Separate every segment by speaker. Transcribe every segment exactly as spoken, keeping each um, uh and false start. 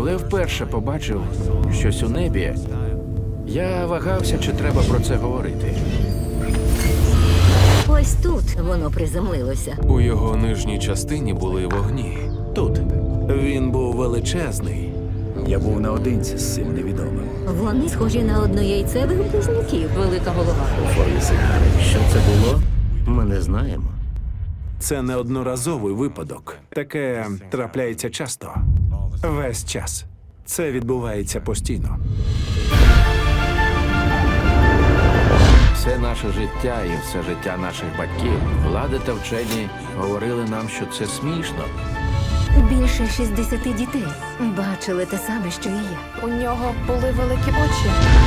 Speaker 1: Коли я вперше побачив щось у небі, я вагався, чи треба про це говорити.
Speaker 2: Ось тут воно приземлилося.
Speaker 3: У його нижній частині були вогні.
Speaker 1: Тут він був величезний.
Speaker 4: Я був наодинці з цим невідомим.
Speaker 2: Вони схожі на однояйцевих близнюків. Велика голова.
Speaker 4: У формі сигари.
Speaker 5: Що це було? Ми не знаємо.
Speaker 6: Це не одноразовий випадок. Таке трапляється часто. Весь час. Це відбувається постійно.
Speaker 1: Все наше життя і все життя наших батьків, влади та вчені говорили нам, що це смішно.
Speaker 2: Більше шістдесят дітей бачили те саме, що і я.
Speaker 7: У нього були великі очі.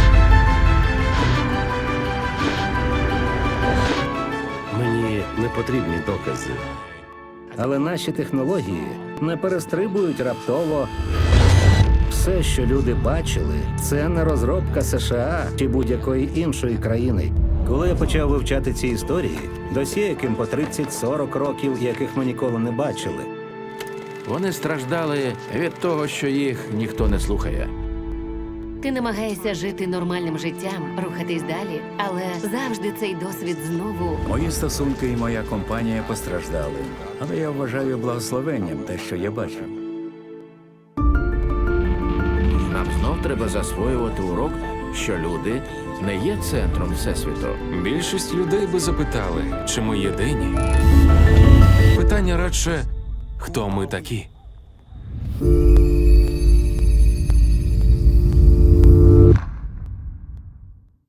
Speaker 5: Мені не потрібні докази. Але наші технології не перестрибують раптово. Все, що люди бачили, це не розробка США чи будь-якої іншої країни. Коли я почав вивчати ці історії, досі яким по тридцять-сорок років, яких ми ніколи не бачили.
Speaker 1: Вони страждали від того, що їх ніхто не слухає.
Speaker 8: Ти намагаєшся жити нормальним життям, рухатись далі, але завжди цей досвід знову.
Speaker 4: Мої стосунки і моя компанія постраждали. Але я вважаю благословенням те, що я бачив.
Speaker 1: Нам знов треба засвоювати урок, що люди не є центром Всесвіту.
Speaker 3: Більшість людей би запитали, чи ми єдині. Питання радше, хто ми такі.